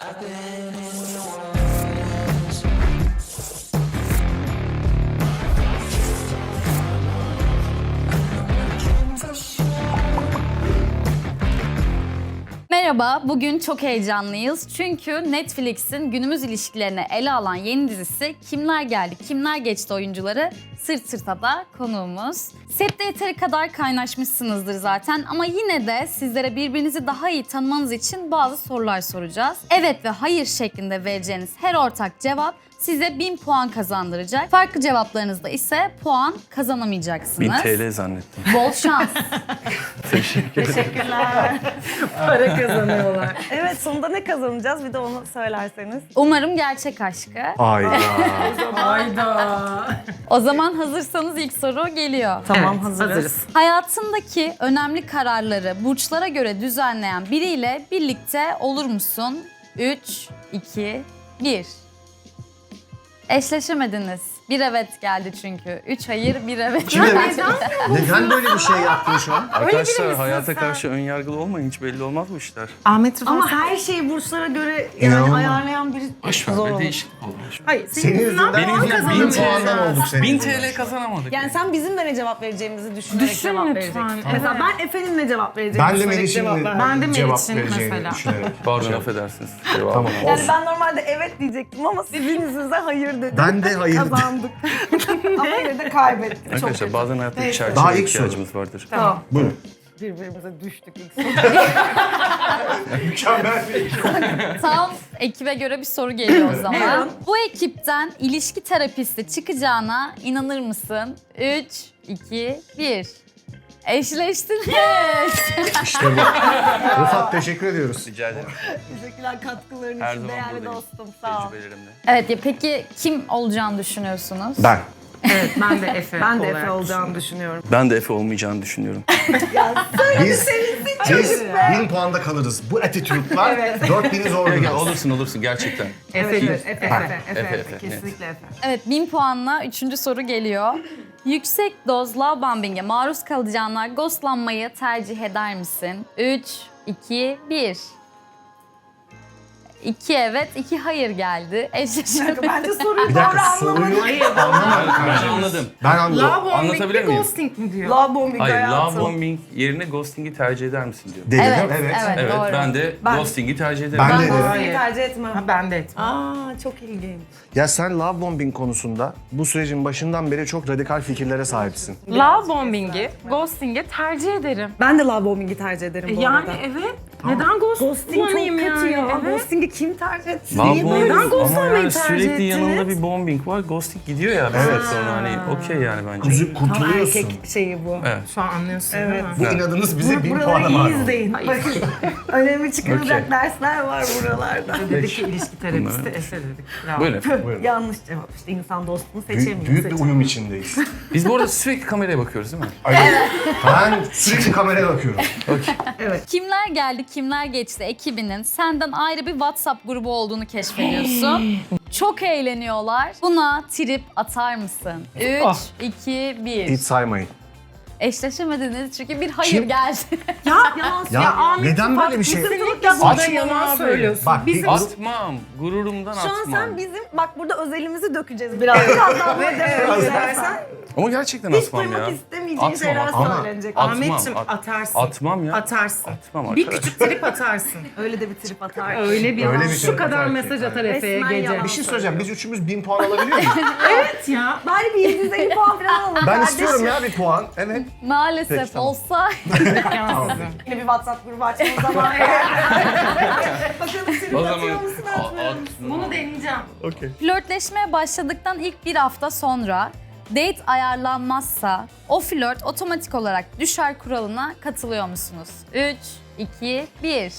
Merhaba, bugün çok heyecanlıyız. Çünkü Netflix'in günümüz ilişkilerini ele alan yeni dizisi Kimler Geldi, Kimler Geçti oyuncuları sırt sırta da konuğumuz. Sette yeteri kadar kaynaşmışsınızdır zaten ama yine de sizlere birbirinizi daha iyi tanımanız için bazı sorular soracağız. Evet ve hayır şeklinde vereceğiniz her ortak cevap size 1000 puan kazandıracak. Farklı cevaplarınızda ise puan kazanamayacaksınız. 1000 TL zannettim. Bol şans. Teşekkürler. Para kazanıyorlar. Evet, sonunda ne kazanacağız? Bir de onu söylerseniz. Umarım gerçek aşkı. Hayda. O zaman hazırsanız ilk soru geliyor. Tamam, hazırız. Hayatındaki önemli kararları burçlara göre düzenleyen biriyle birlikte olur musun? 3, 2, 1. Eşleşemediniz. Bir evet geldi çünkü. 3 hayır, bir evet. Kim evet? Neden böyle bir şey yaptın şu an? Arkadaşlar hayata karşı önyargılı olmayın, hiç belli olmaz bu işler. Ahmet Rıfat. Ama her şeyi burçlara göre İnanılmaz. ayarlayan biri Boşver zor be, olur. değişiklik olmuş. Hayır, Senin yüzünden Benim yüzümden 1000 bin puandan olduk senin 1000 yüzünden. TL kazanamadık. Yani sen bizim de ne cevap vereceğimizi düşünerek Düşün cevap lütfen. vereceksin. Mesela ben Efe'nin ne cevap vereceğimi Ben de düşünerek Meriç'in cevap verdim. Ben de cevap Meriç'in vereceğini mesela. düşünerek. Pardon, affedersiniz. Tamam. Yani ben normalde evet diyecektim ama sizin yüzünüzden hayır dedim. Ben de hayır dedim. Kazandık. Ama yine de kaybettik. Çok Arkadaşlar kötü. bazen hayatta bir Daha çerçeve ilk ihtiyacımız vardır. Tamam. Buyurun. Birbirimize düştük ilk soru. Mükemmel bir Tam ekibe göre bir soru geliyor o zaman. Buyurun. Bu ekipten ilişki terapisti çıkacağına inanır mısın? 3, 2, 1. Eşleştiniz. İşte bu. Rıfat teşekkür ediyoruz. Rica ederim. Teşekkürler katkıların Her için zaman değerli buradayım. dostum. Sağ ol. Tecrübelerimle. Evet ya peki kim olacağını düşünüyorsunuz? Ben. Evet, ben de Efe Ben de olarak Efe olacağını düşünüyorum. Ben de Efe olmayacağını düşünüyorum. Biz 1000 puanda kalırız. Bu attitude'lar 4000'i zor Ya, biraz. olursun gerçekten. Efe'dir. Efe. Efe, Kesinlikle Efe. Evet 1000 puanla 3. soru geliyor. Yüksek doz love bombing'e maruz kalacağına ghostlanmayı tercih eder misin? 3, 2, 1. 2 evet, 2 hayır geldi. Eşleşemediniz. Bence soruyu Bir doğru dakika soruyu anlamadım. Ben anladım. Ben anladım. Love bombing Anlatabilir mi, miyim? ghosting mi diyor? Love bombing Hayır, hayatım. love bombing yerine ghosting'i tercih eder misin diyor. Dedim Evet, evet. evet. Evet, Doğru. ben de ghosting'i tercih ederim. Ben de dedim. Ghosting'i tercih etmem. Ha, ben de etmem. Aa, çok ilginç. Ya sen love bombing konusunda bu sürecin başından beri çok radikal fikirlere sahipsin. Love bombing'i, ghosting'i tercih ederim. Ben de love bombing'i tercih ederim bu Yani arada. evet. Neden Ghosting çok kullanayım kötü yani? ya. Evet. Ghosting'i kim tercih etsin? Love Niye bombing böyle? Neden ghostlamayı ama yani tercih sürekli ettiniz? yanında bir bombing var, ghosting gidiyor ya. Evet. Sonra hani okey yani bence. Üzüp Tam kurtuluyorsun. erkek şeyi bu. Evet. Şu an anlıyorsun Evet. değil mi? Bu inadınız bize 1000 puana Buraları mal iyi oldu. izleyin. Bakın önemli çıkarılacak dersler var buralarda. Dedik ki ilişki terapisti Efe dedik. Bravo. Buyurun. Yanlış cevap işte insan dostunu seçemiyor. Büyük bir uyum içindeyiz. Biz bu arada sürekli kameraya bakıyoruz değil mi? Ben sürekli kameraya bakıyorum. Kimler Geldi, Kimler Geçti ekibinin senden ayrı bir WhatsApp grubu olduğunu keşfediyorsun. Çok eğleniyorlar. Buna trip atar mısın? 3, 2, 1. Hiç saymayın. Eşleşemediniz çünkü bir hayır Kim? geldi. Yalan Ya, neden böyle bir şey? Kesinlikle burada yalan söylüyorsun. Bak Bizim Atmam. Gururumdan Şu an atmam. sen bizim, bak burada özelimizi dökeceğiz biraz. Birazdan böyle devam edersen Ama gerçekten hiç atmam ya. duymak istemeyeceğin Atmam, şeyler ama- söylenecek. Ahmetciğim Atmam, atarsın. Atmam ya. Atarsın. Atmam Bir arkadaş. küçük trip atarsın. Öyle de bir trip atar. Öyle bir Öyle yalan. bir Şu trip kadar atar ki. mesaj atar Efe'ye Resmen gece. yalan. Bir şey söyleyeceğim. Biz üçümüz 1000 puan alabiliyor muyuz? Evet ya. Bari bir 750 puan falan alalım Ben kardeşim. istiyorum ya bir puan. Evet. Maalesef Peki, tamam. olsa Yine bir WhatsApp grubu açmamız zaman. Bakalım trip O atıyor zaman musun atmıyor musun? Bunu deneyeceğim. flörtleşmeye başladıktan ilk bir hafta sonra date ayarlanmazsa o flört otomatik olarak düşer kuralına katılıyor musunuz? 3, 2, 1.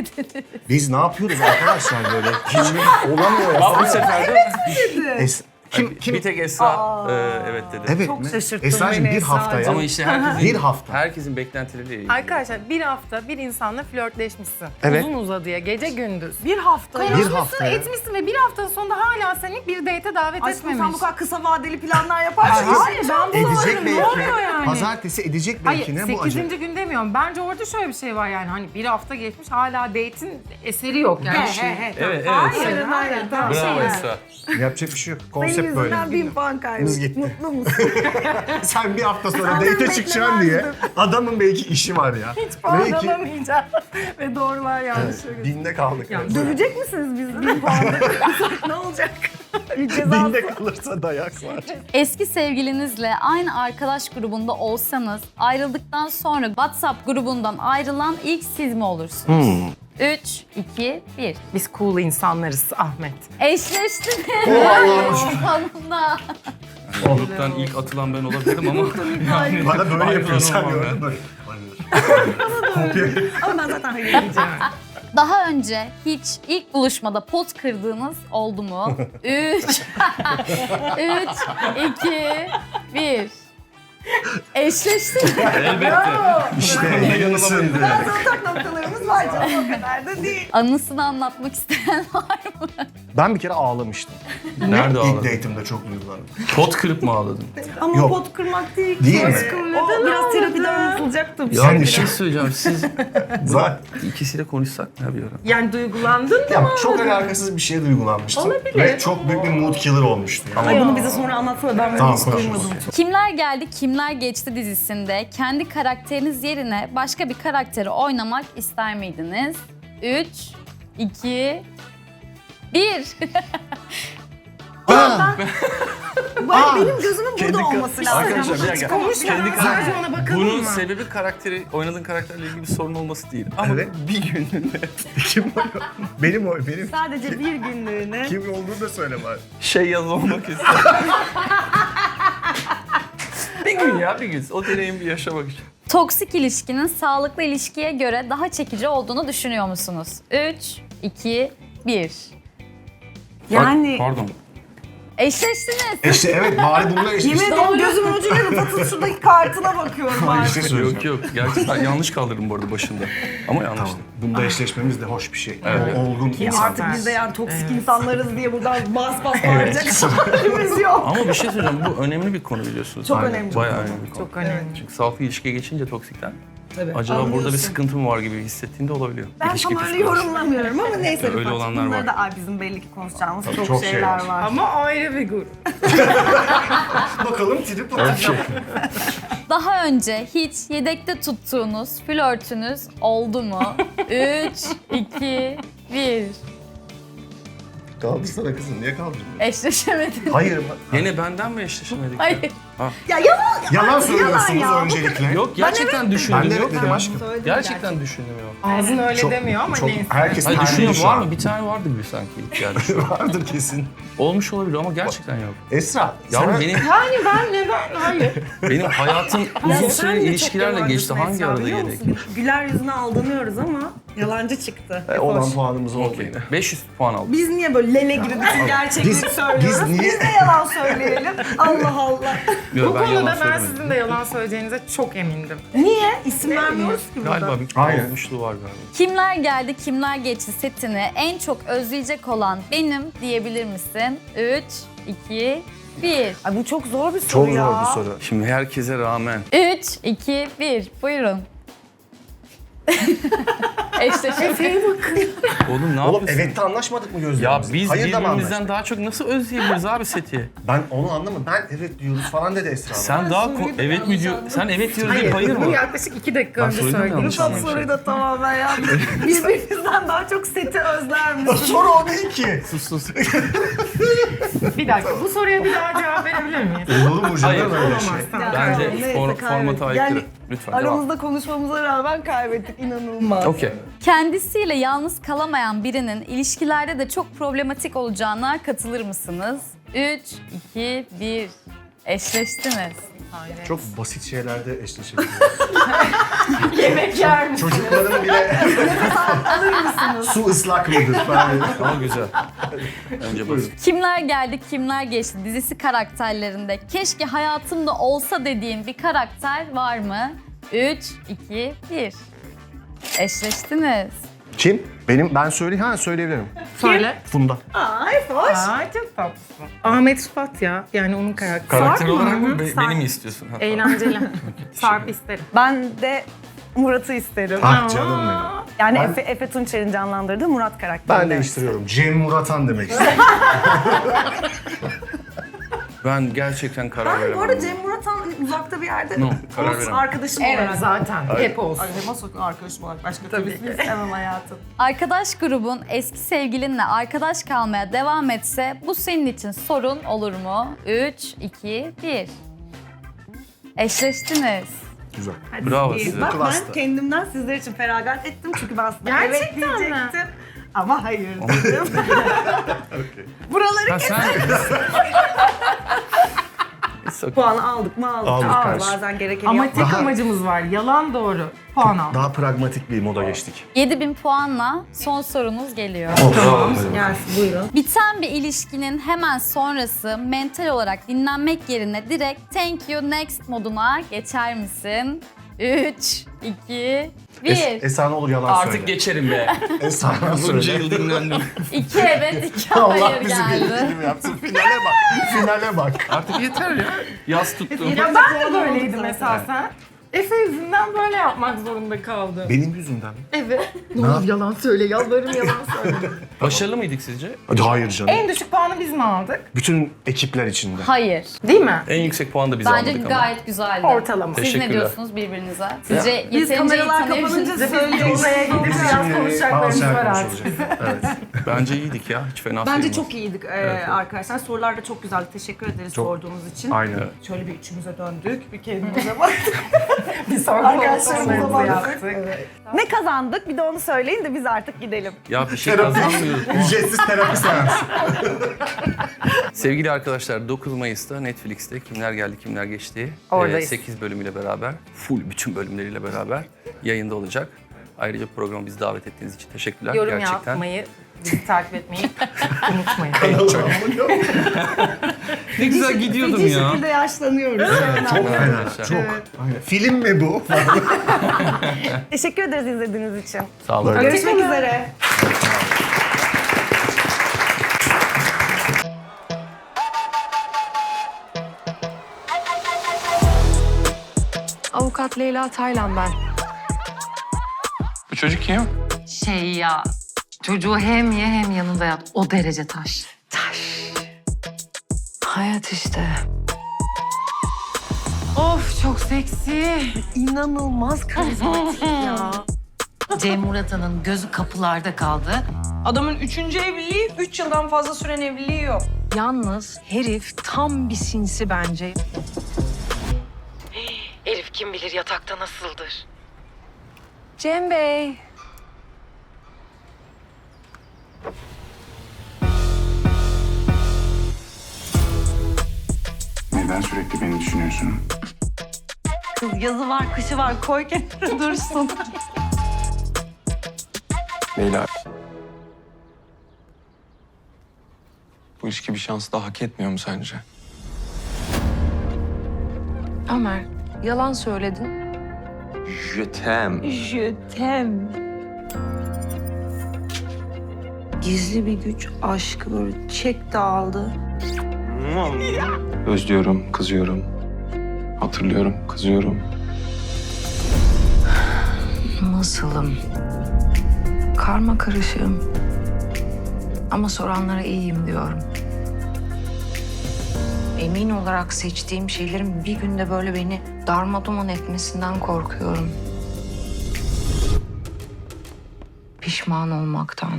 Eşleşemediniz. Biz ne yapıyoruz arkadaşlar böyle? Hiç olamıyor ya. Bak bu sefer de Bir tek Esra evet dedi. Evet Çok mi? şaşırttın Esra'cığım beni bir hafta ya. Ama işte herkesin, Bir hafta. herkesin beklentileriyle ilgili. Arkadaşlar bir hafta bir insanla flörtleşmişsin. Evet. Uzun uzadıya gece gündüz. Bir hafta ya. Bir Konuşmuşsun, hafta ya. etmişsin ve bir haftanın sonunda hala seni bir date'e davet Aşkım etmemiş. sen bu kadar kısa vadeli planlar yaparsın. Hayır, ben bunu Edecek belki. Ne oluyor yani? Pazartesi edecek Hayır, belki ne bu 8. acı? gün demiyorum. Bence orada şöyle bir şey var yani hani bir hafta geçmiş hala date'in eseri yok yani. Evet, evet. Hayır, hayır. Tamam. Bravo Şey Esra. Yapacak bir şey yok. Senin Konsept böyle. yüzünden 1000 puan Biz kaybettik. gitti. Mutlu musun? Sen bir hafta sonra date çıkacaksın diye adamın belki işi var ya. Hiç puan Belki alamayacağım. Ve doğrular yanlışları. binde kaldık. Dövecek misiniz biz 1000 puanda? ne olacak? Bir ceza. Binde kalırsa dayak var. Eski sevgilinizle aynı arkadaş grubunda olsanız ayrıldıktan sonra WhatsApp grubundan ayrılan ilk siz mi olursunuz? 3, 2, 1. Biz cool insanlarız Ahmet. Eşleştiniz. Allah'ım. Sonunda. Gruptan ilk atılan ben olabilirim ama yani Bana böyle ayrılan yapıyor sen olmam gördün ben. mü? Kopya. Ama ben zaten hayır diyeceğim. Daha önce hiç ilk buluşmada pot kırdığınız oldu mu? 3, 3, 2, 1. Eşleştiniz. Elbette. İşte yanılamadım. Bazı ortak noktalarımız var canım, o kadar da değil. Anısını anlatmak isteyen var mı? Ben bir kere ağlamıştım. Nerede İlk ağladın? date'imde çok duygulandım. Pot kırıp mı ağladın? Ama Yok. pot kırmak değil ki. Değil mi? O biraz terapide anlatılacaktı. Ya Sen bir de- şey söyleyeceğim. Siz Zaten. ikisiyle konuşsak mı ya bir ara? Yani duygulandın mı? Ya çok alakasız bir şeye duygulanmıştım. Ve çok büyük bir mood killer olmuştu. Yani. Ay bunu bize sonra anlatsana, ben bunu Tamam, hiç konuşuruz. duymadım. Kimler Geldi Kimler Geçti dizisinde kendi karakteriniz yerine başka bir karakteri oynamak ister miydiniz? 3, 2, 1. Benim gözümün burada olması lazım. Arkadaşlar bir dakika. Konuşmadan sadece ona bakalım Bunun mı? sebebi oynadığın karakterle ilgili bir sorun olması değil. Ama Evet. bir gününde Kim o? Benim o. Benim Sadece bir günlüğüne. kim olduğunu da söyle bari. yaz olmak istedim. Bir gün ya bir gün. O deneyimi bir yaşamak için. Toksik ilişkinin sağlıklı ilişkiye göre daha çekici olduğunu düşünüyor musunuz? 3, 2, 1. Yani Pardon. Eşleştiniz. İşte evet bari bununla yemin eşleştik. ederim gözümün ucuyla Rıfat'ın şuradaki kartına bakıyorum Bir artık. şey söyleyeceğim. Yok gerçekten yanlış kaldırdım bu arada başında. Ama yanlış. Tamam. Bunda eşleşmemiz de hoş bir şey. Evet. O olgun insan. Artık biz de yani toksik insanlarız diye buradan bas bağıracak halimiz yok. Ama bir şey söyleyeceğim. Bu önemli bir konu biliyorsunuz. Çok Aynen. önemli. Bayağı önemli bir konu. Çok önemli. Çünkü sağlıklı ilişkiye geçince toksikten Tabii. acaba burada bir Anlıyorsun. sıkıntı mı var gibi hissettiğinde olabiliyor. Ben İlişki tam öyle psikolojisi. yorumlamıyorum ama neyse. Öyle Rıfat'cığım, olanlar bunları var. da ay bizim belli ki konuşacağımız Tabii çok, çok şey şeyler var. var. Ama ayrı bir grup. Bakalım trip atacağım. Daha önce hiç yedekte tuttuğunuz flörtünüz oldu mu? 3, 2, 1. Kaldırsana kızım niye kaldırmıyorsun? Eşleşemediniz. Hayır. Yine benden mi eşleşemedik? Hayır. Ya yalan. Yalan söylüyorsunuz ya. öncelikle. Yok gerçekten düşündüm. Ben de evet yok dedim ya. aşkım. Gerçekten düşündüm yok. Ağzın öyle Çok- demiyor ama çok, neyse. herkesin Hayır her düşünüyorum şu var an. mı? Bir tane vardı gibi sanki ilk geldi şu an. Vardır kesin. Olmuş olabilir ama gerçekten yok. Esra. Yavrum sana- benim Yani ben neden? Hayır. benim hayatım uzun Sen süre de çok ilişkilerle yalancısın geçti. Hangi Esra, arada biliyor yedek? musun? Güler yüzüne aldanıyoruz ama yalancı çıktı. Olan Hoş. puanımız oldu Okey. yine. 500 puan aldım. Biz niye böyle lele gibi bütün gerçekliği Biz- söylüyoruz? biz niye- Biz de yalan söyleyelim. Allah Allah. Yok, Bu ben yalan konuda ben söylemedim. sizin de yalan söyleyeceğinize çok emindim. Niye? İsim vermiyoruz ki burada. Galiba bir Aynen. olmuşluğu var galiba. Kimler Geldi Kimler Geçti setini en çok özleyecek olan benim diyebilir misin? 3, 2, 1. Ay bu çok zor bir soru Çok ya. zor bir soru. Şimdi herkese rağmen 3, 2, 1. Buyurun. Eşleşemediniz. oğlum ne Oğlum yapıyorsun? evet de anlaşmadık mı Ya gözlerimizle? biz Hayır da mı birbirimizden anlaştık? daha çok nasıl özleyebiliriz abi seti? Ben onu anlamadım. Ben evet diyoruz falan dedi Esra. Sen daha evet mi diyor? Sen evet diyor deyip hayır Bunu mı? yaklaşık 2 dakika Ben önce söyledim söyledim. yanlış Rıfat anlamışım. soruyu da tamamen yanlış. Birbirimizden daha çok seti özler misin? Soru o değil ki. Sus sus. Bir dakika bu soruya bir daha cevap verebilir miyiz? Olur mu Hayır, canım öyle olamaz. şey? Tamam. Bence Neyse, formata kaybettik. aykırı. Yani Lütfen devam. aramızda konuşmamıza rağmen kaybettik. İnanılmaz. Okey. Kendisiyle yalnız kalamayan birinin ilişkilerde de çok problematik olacağına katılır mısınız? 3, 2, 1. Eşleştiniz. Çok basit şeylerde eşleşebiliyoruz. Yemek yer misin? Çocukların bile Alır mısınız? su ıslak mıdır falan. Ama güzel. Önce basit. Kimler Geldi Kimler Geçti dizisi karakterlerinde keşke hayatımda olsa dediğin bir karakter var mı? 3, 2, 1. Eşleştiniz. Kim? Ben söyleyebilirim. Söyle. Funda. Ay hoş. Ay çok tatlısın. Ahmet Rıfat ya. Yani onun karakteri. Karakter Sarp olarak mı? mı? Sarp. Beni mi istiyorsun? Ha, Eğlenceli. Sarp isterim. Ben de Murat'ı isterim. Ah canım benim. Yani Ben- Efe Tunçer'in canlandırdığı Murat karakteri. Ben değiştiriyorum. Cem Muratan demek istiyorum. Ben gerçekten karar Ben veremem. bu arada Cem Murat'tan uzakta bir yerde No, karar olsun, veremem. arkadaşım Evet olarak. zaten. Hep olsun. Ay nasıl arkadaşım olarak başka tabii ki istemem hayatım. Arkadaş grubun eski sevgilinle arkadaş kalmaya devam etse bu senin için sorun olur mu? 3, 2, 1. Eşleştiniz. Güzel. Bravo İyi. size. Bak Klasta. ben kendimden sizler için feragat ettim çünkü ben aslında Gerçekten evet mi? diyecektim. Ama hayır dedim. Buraları Ha sen... puanı aldık mı aldık. Aldık Aa, kardeşim. bazen gerekeni Ama yapmak. tek amacımız var. Yalan doğru. Puan al. Daha pragmatik bir moda geçtik. 7000 puanla son sorunuz geliyor. Bravo. Gelsin buyurun. Biten bir ilişkinin hemen sonrası mental olarak dinlenmek yerine direkt thank you next moduna geçer misin? 3, 2, 1. Esan olur yalan söyle. Artık geçerim be. Esan Bunca söyle. yıl dinlendim. 2 evet, 2 Allah hayır bizi geldi. bildiği gibi yapsın. Finale bak. Finale bak. Artık yeter ya. Yaz tuttum. Ya ben de böyleydim esasen. Efe yüzünden böyle yapmak zorunda kaldım. Benim yüzümden mi? Evet. Ne olur yalan söyle, yalvarırım yalan söyle. Başarılı mıydık sizce? Hadi hayır canım. En düşük puanı biz mi aldık? Bütün ekipler içinde. Hayır. Değil mi? En yüksek puanı da biz Bence almadık ama. gayet güzeldi. Ortalama. Siz ne Teşekkürler. diyorsunuz birbirinize? Sizce Biz yeterince iyi kameralar tanıyorsunuz? kapanınca Biz de oraya gidip biraz konuşacaklarımız Ağzı var artık. konuşulacak. Evet. Bence iyiydik ya. Hiç fena Bence sayılmaz. çok iyiydik arkadaşlar. Sorular da çok güzeldi. Teşekkür ederiz Çok. sorduğunuz için. Aynen. Şöyle bir üçümüze döndük. Bir kendimize baktık. Bir sorgu Arkadaşlarımıza konuşmalarımızı baktık. yaptık. Ne kazandık? Bir de onu söyleyin de biz artık gidelim. Ya bir şey kazanmıyoruz. Ücretsiz terapi seansı. Sevgili arkadaşlar 9 Mayıs'ta Netflix'te Kimler Geldi Kimler Geçti Oradayız. 8 bölümüyle beraber, full bütün bölümleriyle beraber yayında olacak. Ayrıca programa bizi davet ettiğiniz için teşekkürler. Yorum Gerçekten. yapmayı, bizi takip etmeyi unutmayın. Ne güzel gidiyordum Feci ya. şekilde yaşlanıyoruz. Çok fena. Arkadaşlar. Çok. Aynen. Film mi bu? Teşekkür ederiz izlediğiniz için. Sağ olun. Görüşmek üzere. Avukat Leyla Taylan ben. Bu çocuk kim? Şey ya, çocuğu hem ye hem yanında yat. O derece taş. Taş. Hayat işte. Of çok seksi. İnanılmaz karizmatik ya. Cem Murat'ın gözü kapılarda kaldı. Adamın 3. evliliği, 3 yıldan fazla süren evliliği yok. Yalnız herif tam bir sinsi bence. Herif kim bilir yatakta nasıldır. Cem Bey. Neden sürekli beni düşünüyorsun? Kız yazı var, kışı var. Koy kenara dursun. Leyla. Bu ilişki bir şans daha hak etmiyor mu sence? Ömer, yalan söyledin. Jötem. Jötem. Gizli bir güç aşkı böyle çekti aldı. Özlüyorum, kızıyorum. Hatırlıyorum, kızıyorum. Nasılım? Karma karışığım. Ama soranlara iyiyim diyorum. Emin olarak seçtiğim şeylerin bir günde böyle beni darmaduman etmesinden korkuyorum. Pişman olmaktan.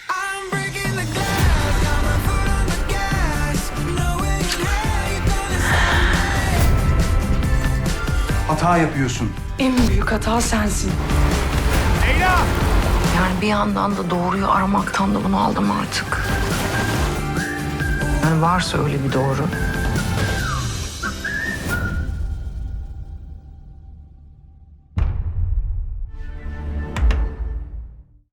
Hata yapıyorsun. En büyük hata sensin. Yani bir yandan da doğruyu aramaktan da bunu aldım artık. Yani varsa öyle bir doğru.